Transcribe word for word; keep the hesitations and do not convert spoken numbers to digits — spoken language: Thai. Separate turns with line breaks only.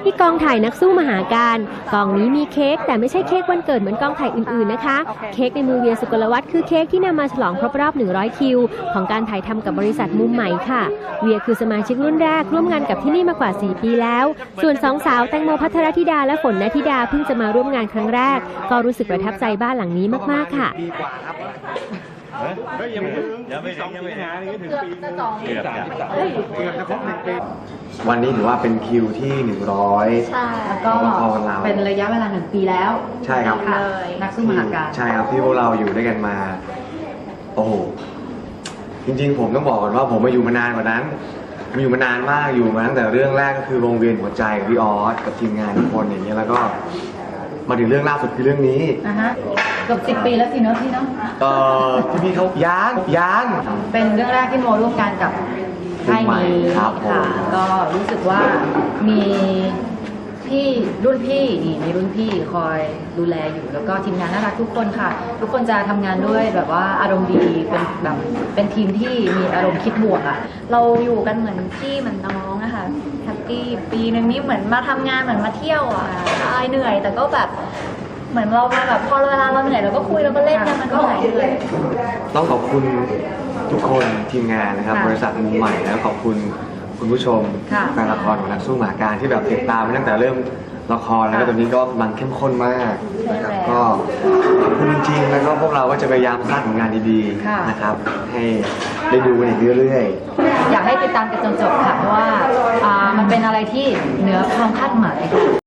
ที่กองถ่ายนักสู้มหาการกองนี้มีเค้กแต่ไม่ใช่เค้กวันเกิดเหมือนกองถ่ายอื่นๆนะคะเค้กในมือเวียสุกลวัฒน์คือเค้กที่นำมาฉลองครบรอบหนึ่งร้อยคิวของการถ่ายทำกับบริษัทมุมใหม่ค่ะเวียคือสมาชิกรุ่นแรกร่วมงานกับที่นี่มากว่าสี่ปีแล้วส่วนสองสาวแตงโมภัทรธิดาและฝนณธิดาเพิ่งจะมาร่วมงานครั้งแรกก็รู้สึกประทับใจบ้านหลังนี้มากๆค่ะ
ยังไม่ถึงยังไม่ถึงยังไม่ถึงเกือบจะสองเกือบเกือบจะครบหนึ่งปี
วันนี้ถือว่าเป็นคิวที่หนึ่งร้อย
ใช่แล้วก็เป็นระยะเวลาหนึ่งปีแล้ว
ใช่ครับ
เลยนักสู้มหาการ
ใช่ครับที่พวกเราอยู่ด้วยกันมาโอ้โหจริงๆผมต้องบอกก่อนว่าผมมาอยู่มานานกว่านั้นมาอยู่มานานมากอยู่มาตั้งแต่เรื่องแรกก็คือวงเวียนหัวใจกับพี่ออสกับทีมงานทุกคนอย่างเงี้ยแล้วก็มาถึงเรื่องล่าสุดคือเรื่องนี้
อ่ะฮะเกือบสิบปีแล้วสิเนอะพี่เนาะ
เอ่อที่พี่เขาย้างย้าง
เป็นเรื่องแรกที่โมร่วมกันกับค่ายนี้ค่ะก็รู้สึกว่ามีพี่รุ่นพี่นี่มีรุ่นพี่คอยดูแลอยู่แล้วก็ทีมงานน่ารักทุกคนค่ะทุกคนจะทำงานด้วยแบบว่าอารมณ์ดีเป็นแบบเป็นทีมที่มีอารมณ์คิดบวกอ่ะ
เราอยู่กันเหมือนพี่เหมือนน้องอะค่ะแฮปปี้ปีนึงนี่เหมือนมาทำงานเหมือนมาเที่ยวอ่ะอายเหนื่อยแต่ก็แบบเหมือนเราแบบพอเวลาเราเหนื่อยเราก็คุยเราก็เล่นกันมันก็หายเหนื่อย
ต้องขอบคุณทุกคนทีมงานนะครับบริษัทมุมใหม่แล้วขอบคุณคุณผู้ชมแฟนละครของนักสู้หมาการที่แบบติดตามมาตั้งแต่เริ่มละครแล้วก็ตอนนี้ก็กำลังเข้มข้นมากนะครับก็ขอบคุณจริงๆแล้วก็พวกเราก็จะพยายามสร้างผลงานดีๆนะครับให้ได้ดูกันอีกเรื่อย
ๆอยากให้ติดตามกันจนจบค่ะเพราะว่ามันเป็นอะไรที่เหนือความคาดหมาย